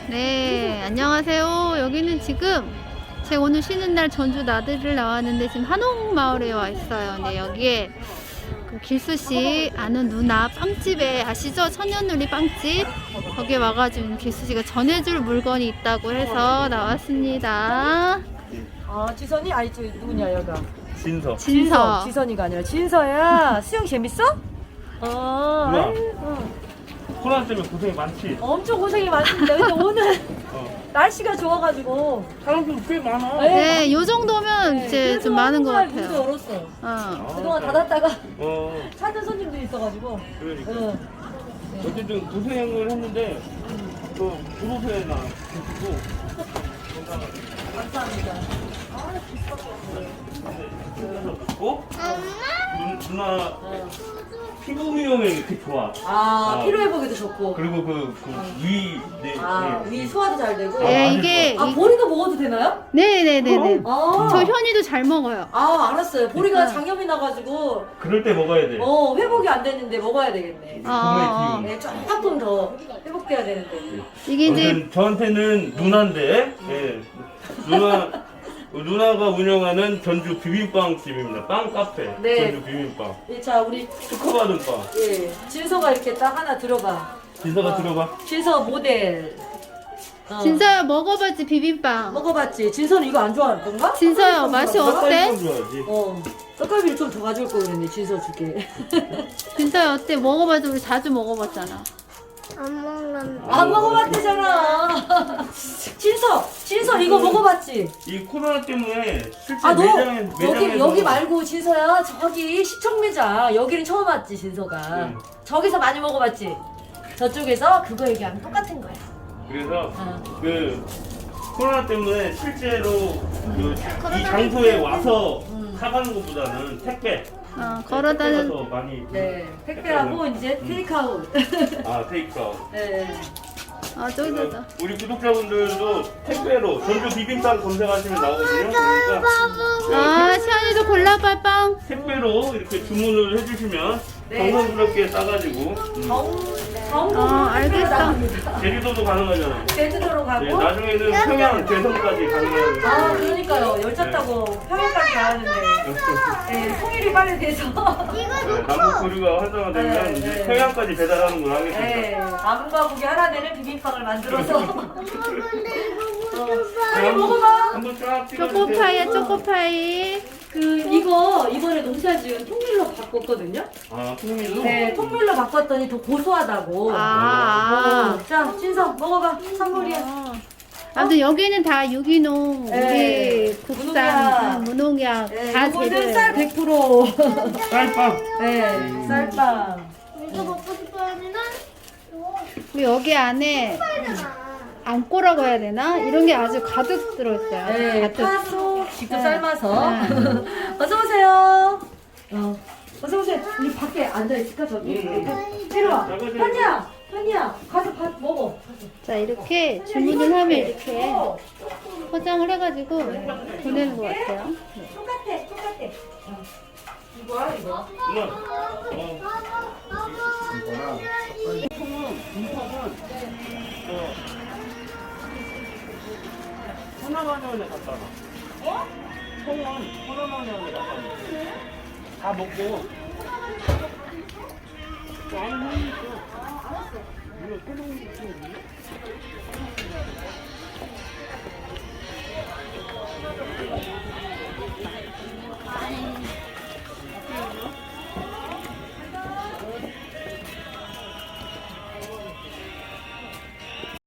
네, 안녕하세요. 여기는 지금 제가 오늘 쉬는 날 전주 나들이를 나왔는데 지금 한옥마을에 와 있어요. 네, 여기에 그 길수씨 아는 누나 빵집에 아시죠? 천연누리 빵집 거기에 와가지고 길수씨가 전해줄 물건이 있다고 해서 나왔습니다. 지선이? 아니 저 누구냐 여가? 진서. 진서. 지선이가 아니라 진서야. 수영 재밌어? 누나. 코로나 때문에 고생이 많지? 엄청 고생이 많습니다. 근데 오늘 어. 날씨가 좋아가지고 사람들 꽤 많아. 네, 요 정도면 이제 좀 많은 것 문도 같아요. 열었어. 어. 그동안 닫았다가 어, 찾는 손님도 있어가지고. 그러니까. 응. 어쨌든 고생을 했는데, 또 부부세나 드시고, 건강하게. 감사합니다. 고 누나 피부 미용에 이렇게 좋아. 피로 회복에도 좋고. 그리고 위 소화도 잘 되고. 네, 이게 보리도 먹어도 되나요? 네네네네. 아. 저 현이도 잘 먹어요. 알았어요. 보리가 장염이 나가지고 그럴 때 먹어야 돼. 회복이 안 됐는데 먹어야 되겠네. 아. 몸의 기운. 네, 조금 더 회복돼야 되는데. 이게 이제 아무튼 저한테는 누나인데, 예. 누나가 운영하는 전주 비빔빵 집입니다. 빵 카페. 네. 전주 비빔빵. 자, 우리 특허받은 빵. 진서가 이렇게 딱 하나 들어봐. 진서가 들어봐. 진서 모델. 진서야 먹어봤지 비빔빵. 먹어봤지? 진서는 이거 안 좋아할 건가? 진서야 맛이 어때? 빵 좋아하지. 떡갈비를 좀 더 가져올 걸 그랬네. 진서 줄게. 진서야 어때? 먹어봤지? 우리 자주 먹어봤잖아. 안 먹어봤대잖아. 진서 이거 먹어봤지? 이 코로나 때문에 실제 너 매장에서 여기 말고 진서야 저기 시청 매장 여기는 처음 왔지 진서가. 저기서 많이 먹어봤지? 저쪽에서 그거 얘기하면 똑같은 거야. 그래서 그 코로나 때문에 실제로 이 장소에 와서 사가는 것보다는 택배. 걸어다는. 택배가 더 많이. 네, 택배하고 이제 테이크아웃. 테이크아웃. 네. 저기다. 우리 구독자분들도 택배로 전주 비빔빵 검색하시면 나오거든요. 그러니까 시안이도 골라봐 빵. 택배로 이렇게 주문을 해주시면 정성스럽게 싸가지고 알겠어. 제주도도 가능하잖아요. 제주도로 가고. 네, 나중에는 평양, 개성까지 가능해요. 그러니까요. 열차 타고 평양까지 가야 하는데. 네, 통일이 빨리 돼서. 남북 교류가 활성화되면 이제 평양까지 배달하는 걸 하겠습니다. 네, 남과 북이 하나 되는 비빔빵을 만들어서. 먹어봐. 한번 쫙 찍어주세요. 초코파이야 초코파이. 이거 이번에 농사 지은 통밀로 바꿨거든요. 통밀로? 네, 통밀로 바꿨더니 더 고소하다고. 자, 진서 먹어봐. 선물이야. 아무튼 여기는 다 유기농, 네. 우리 국산, 무농약 다 이거는 제대로. 쌀 100%. 쌀빵. 네, 쌀빵. 이거 먹고 싶어하면은 우리 여기 안에 안꼬라고 해야 되나? 이런 게 아주 가득 들어있어요. 아주 네, 가득. 파소 직접 네. 삶아서. 네. 어서 오세요. 어서 오세요. 우리 밖에 앉아 있을까 저기? 이리 와. 현이야, 가서 밥 먹어. 자, 이렇게 주문을 하면 이렇게 포장을 해가지고 보내는 것 같아요. 네. 똑같아. 이거야 이거. 하나만원에 갖다 놔. 통은 하나만원에 갖다 놔. 다 먹고. 안에 있어. 이거 새로운 게 있어.